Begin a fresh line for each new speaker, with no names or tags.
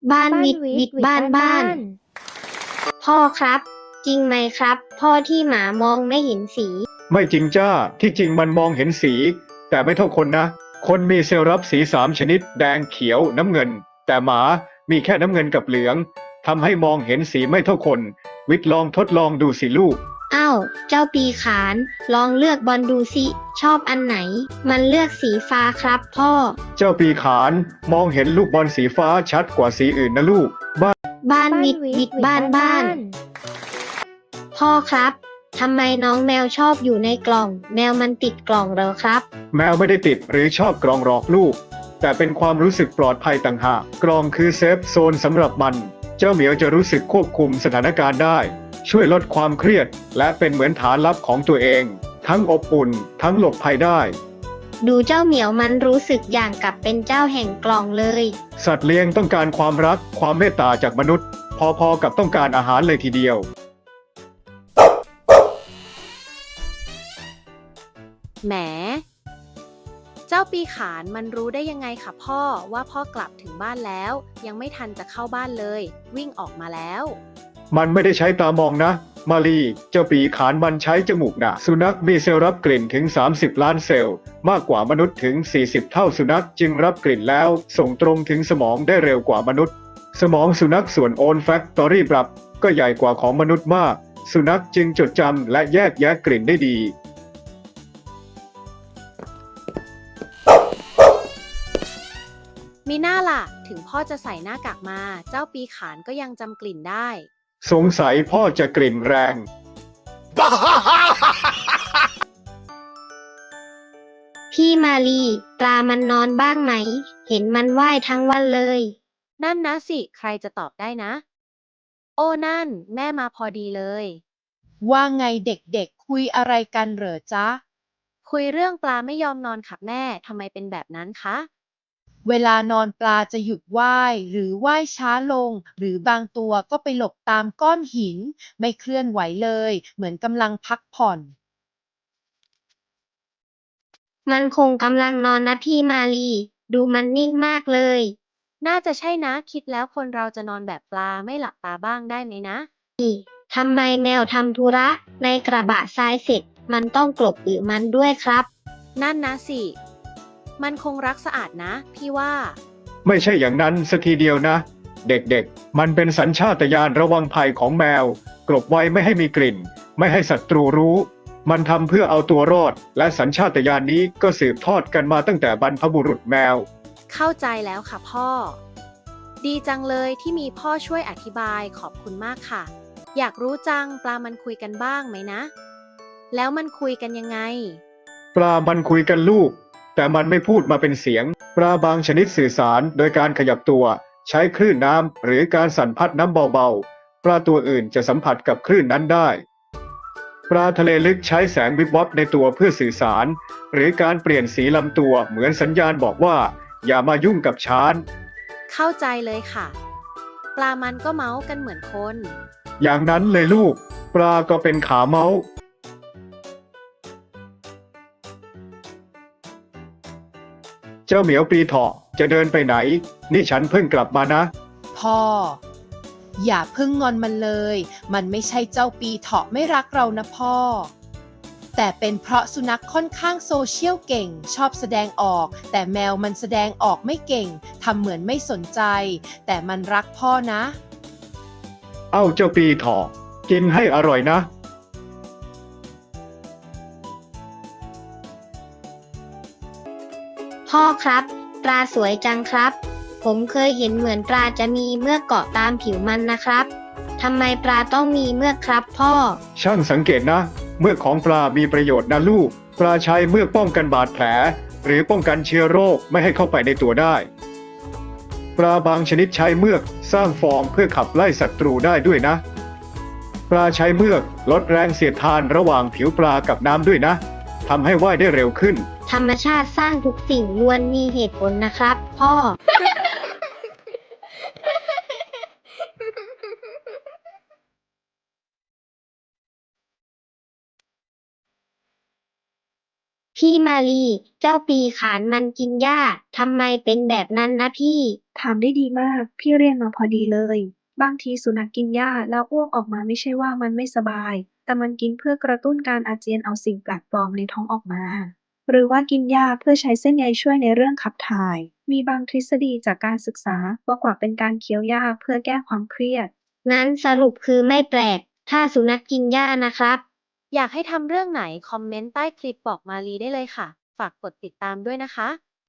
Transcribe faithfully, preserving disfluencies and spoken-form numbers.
บ้าน
บ้าน
วิด
วิ
วิ
ดวิด
ดบ้าน
บ้าน
บ้า
บ้าน น
พ่อครับ จริงไหมครับ พ่อที่หมามองไม่เห็นสี
ไม่จริงจ้า ที่จริงมันมองเห็นสี แต่ไม่เท่าคนนะ คนมีเซลล์รับสีสามชนิดแดงเขียวน้ำเงิน แต่หมามีแค่น้ำเงินกับเหลืองทำให้มองเห็นสีไม่เท่าคน วิทย์ลองทดลองดูสิลูก
อ้าว เจ้าปีขาน ลองเลือกบอลดูสิ ชอบอันไหน มันเลือกสีฟ้าครับพ่อ
เจ้าปีขานมองเห็นลูกบอลสีฟ้าชัดกว่าสีอื่นนะลูก บ้าน
บ้าน
บ้าน
วิด
วิ
วิ
ด
ด
วิด
บ้า
บ้าน น
บ้า
บ้าน น
พ่อครับ ทำไมน้องแมวชอบอยู่ในกล่อง แมวมันติดกล่องเหรอครับ
แมวไม่ได้ติดหรือชอบกรองหลอกลูก แต่เป็นความรู้สึกปลอดภัยต่างหากกรองคือเซฟโซนสำหรับมัน เจ้าเหมียวจะรู้สึกควบคุมสถานการณ์ได้ ช่วยลดความเครียด และเป็นเหมือนฐานลับของตัวเอง ทั้งอบอุ่น ทั้งหลบภัยได้
ดูเจ้าเหมียวมันรู้สึกอย่างกับเป็นเจ้าแห่งกล่องเลย
สัตว์เลี้ยงต้องการความรักความเมตตาจากมนุษย์ พอๆกับต้องการอาหารเลยทีเดียว
แหม เจ้าปีขานมันรู้ได้ยังไงคะพ่อว่าพ่อกลับถึงบ้านแล้ว ยังไม่ทันจะเข้าบ้านเลย วิ่งออกมาแล้ว
มันไม่ได้ใช้ตามองนะ มาลีเจ้าปีขานมันใช้จมูกนะสุนัขมีเซลล์รับกลิ่นถึง สามสิบ ล้านเซลล์ มากกว่ามนุษย์ถึง สี่สิบ เท่าสุนัขจึงรับกลิ่นแล้ว ส่งตรงถึงสมองได้เร็วกว่ามนุษย์ สมองสุนัขส่วนโอนแฟคตอรี่ปรับก็ใหญ่กว่าของมนุษย์มาก สุนัขจึงจดจำและแยกแยะกลิ่นได้ดี
มีหน้าล่ะ ถึงพ่อจะใส่หน้ากากมา เจ้าปีขานก็ยังจำกลิ่นได้
สงสัยพ่อจะกลิ่นแรง
พี่มาลีปลามันนอนบ้างไหม เห็นมันว่ายทั้งวันเลย
นั่นนะสิ ใครจะตอบได้นะ โอ้นั่น แม่มาพอดีเลย
ว่าไงเด็กๆคุยอะไรกันเหรอจ๊ะ
คุยเรื่องปลาไม่ยอมนอนค่ะแม่ทำไมเป็นแบบนั้นคะ
เวลานอนปลาจะหยุดว่ายหรือว่ายช้าลง หรือบางตัวก็ไปหลบตามก้อนหิน ไม่เคลื่อนไหวเลย เหมือนกำลังพักผ่อน
มันคงกำลังนอนนะพี่มาลี ดูมันนิ่งมากเลย
น่าจะใช่นะ คิดแล้วคนเราจะนอนแบบปลาไม่หลับตาบ้างได้ไหมนะ
ทำไมแมวทำธุระในกระบะทรายเสร็จ มันต้องกลบอึมันด้วยครับ
นั่นนะสิ มันคงรักสะอาดนะ พี่ว่า
ไม่ใช่อย่างนั้นสัทีเดียวนะ เด็กๆ มันเป็นสัญชาตญาณระวังภัยของแมว กลบไว้ไม่ให้มีกลิ่น ไม่ให้ศัตรูรู้ มันทำเพื่อเอาตัวรอด และสัญชาตญาณนี้ก็สืบทอดกันมาตั้งแต่บรรพบุรุษแมว
เข้าใจแล้วค่ะพ่อ ดีจังเลยที่มีพ่อช่วยอธิบายขอบคุณมากค่ะ อยากรู้จังปลามันคุยกันบ้างไหมนะ แล้วมันคุยกันยังไง
ปลามันคุยกันลูก แต่มันไม่พูดมาเป็นเสียง ปลาบางชนิดสื่อสารโดยการขยับตัว ใช้คลื่นน้ำหรือการสั่นพัดน้ำเบาๆ ปลาตัวอื่นจะสัมผัสกับคลื่นนั้นได้ ปลาทะเลลึกใช้แสงวิบวับในตัวเพื่อสื่อสาร หรือการเปลี่ยนสีลำตัวเหมือนสัญญาณบอกว่า อย่ามายุ่งกับฉัน
เข้าใจเลยค่ะ ปลามันก็เมาส์กันเหมือนคน
อย่างนั้นเลยลูก ปลาก็เป็นขาเมาส์ เจ้าเหมียวปีเถาะจะเดินไปไหน นี่ฉันเพิ่งกลับมานะ
พ่อ อย่าเพิ่งงอนมันเลย มันไม่ใช่เจ้าปีเถาะไม่รักเรานะพ่อ แต่เป็นเพราะสุนัขค่อนข้างโซเชียลเก่ง ชอบแสดงออก แต่แมวมันแสดงออกไม่เก่ง ทำเหมือนไม่สนใจ แต่มันรักพ่อนะ
เอ้าเจ้าปีเถาะกินให้อร่อยนะ
พ่อครับ ปลาสวยจังครับ ผมเคยเห็นเหมือนปลาจะมีเมือกเกาะตามผิวมันนะครับทำไมปลาต้องมีเมือกครับพ่อ
ช่างสังเกตนะ เมือกของปลามีประโยชน์นะลูก ปลาใช้เมือกป้องกันบาดแผล หรือป้องกันเชื้อโรคไม่ให้เข้าไปในตัวได้ ปลาบางชนิดใช้เมือกสร้างฟองเพื่อขับไล่ศัตรูได้ด้วยนะ ปลาใช้เมือกลดแรงเสียดทานระหว่างผิวปลากับน้ำด้วยนะทำให้ว่ายได้เร็วขึ้น
ธรรมชาติสร้างทุกสิ่งล้วนมีเหตุผลนะครับ พ่อ พี่พี่มาลีเจ้าปีขานมันกินหญ้าทำไมเป็นแบบนั้นนะพี่
ถามได้ดีมาก พี่เรียนมาพอดีเลย บางทีสุนัขกินหญ้าแล้วอ้วกออกมาไม่ใช่ว่ามันไม่สบาย แต่มันกินเพื่อกระตุ้นการอาเจียนเอาสิ่งแปลกปลอมในท้องออกมา หรือว่ากินหญ้าเพื่อใช้เส้นใยช่วยในเรื่องขับถ่าย มีบางทฤษฎีจากการศึกษาว่ากว่าเป็นการเคี้ยวหญ้าเพื่อแก้ความเครียด
งั้นสรุปคือไม่แปลก ถ้าสุนัขกินหญ้านะครับ
อยากให้ทำเรื่องไหนคอมเมนต์ใต้คลิปบอกมาลีได้เลยค่ะ ฝากกดติดตามด้วยนะคะ